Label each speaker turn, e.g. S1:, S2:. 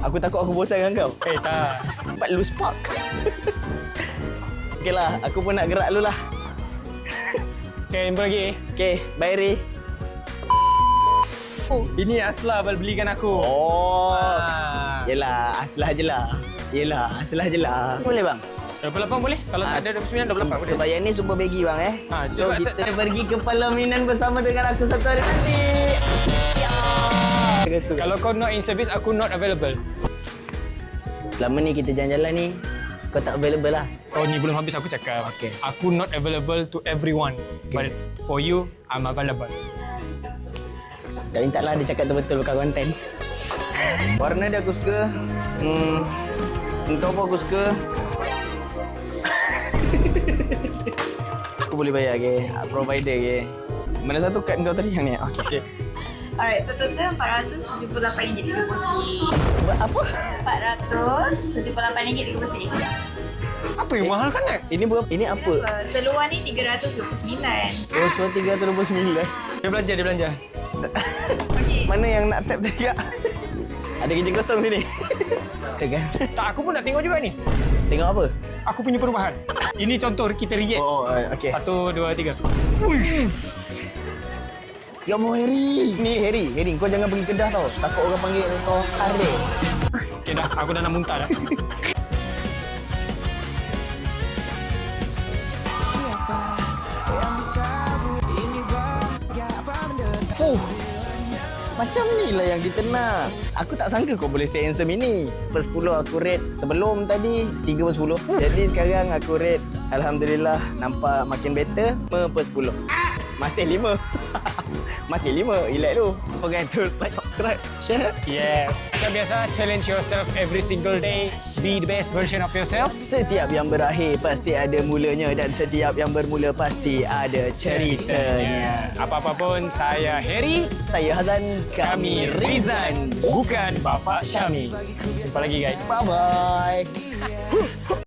S1: Aku takut aku bosan dengan kau.
S2: Tak.
S1: Cepat lose spark. Okey lah, aku pun nak gerak dulu lah.
S2: Okay, jumpa lagi.
S1: Okey, bye Ri.
S2: Ini Asla belikan aku.
S1: Oh.
S2: Ah.
S1: Yelah, aslah je lah. Yelah, aslah je lah. Boleh bang?
S2: 28 boleh? Kalau tak ada 29, 28 boleh.
S1: Sebab yang ni super baggy bang So
S2: sebab
S1: kita pergi ke pelaminan bersama dengan aku satu hari nanti. Ya.
S2: Kalau kau not in service, aku not available.
S1: Selama ni kita jalan-jalan ni, kau tak available lah.
S2: Oh, ni belum habis aku cakap.
S1: Okay.
S2: Aku not available to everyone. But for you, I'm available.
S1: Tak minta lah dia cakap betul-betul bukan konten. Warna dia aku suka. Kau pun aku suka. Aku boleh bayar ke? Provider ke? Mana satu kad kau tadi yang ni? Okey.
S3: Alright, so total RM478.30.
S1: Apa?
S3: RM478.30.
S2: Apa yang mahal sangat?
S1: Ini berapa? Ini apa?
S3: Seluar ni RM329.
S1: Oh, so 329.
S2: Dia belanja.
S3: Okey.
S1: Mana yang nak tap tadi kak? Ada kerja kosong sini. Kan?
S2: Tak, aku pun nak tengok juga ni.
S1: Tengok apa?
S2: Aku punya perubahan. Ini contoh kita react.
S1: Oh, okey.
S2: 1, 2, 3.
S1: Ya mau Harry. Ni Harry, kau jangan pergi Kedah tau. Takut orang panggil kau Harry.
S2: Okay dah, aku dah nak muntah dah.
S1: Macam ni lah yang kita nak. Aku tak sangka kau boleh say handsome ini. Per 10 aku rate sebelum tadi 3 per 10. Jadi sekarang aku rate Alhamdulillah nampak makin better. 5 per 10. Masih 5. Masih 5. Relax dulu. Jangan tu like, subscribe, share.
S2: Yeah. Macam biasa, challenge yourself every single day. Be the best version of yourself.
S1: Setiap yang berakhir pasti ada mulanya dan setiap yang bermula pasti ada ceritanya.
S2: Apa-apa pun, saya Harry.
S1: Saya Hazan, kami Rizan.
S2: Bukan Bapak Syami. Jumpa lagi guys.
S1: Bye-bye.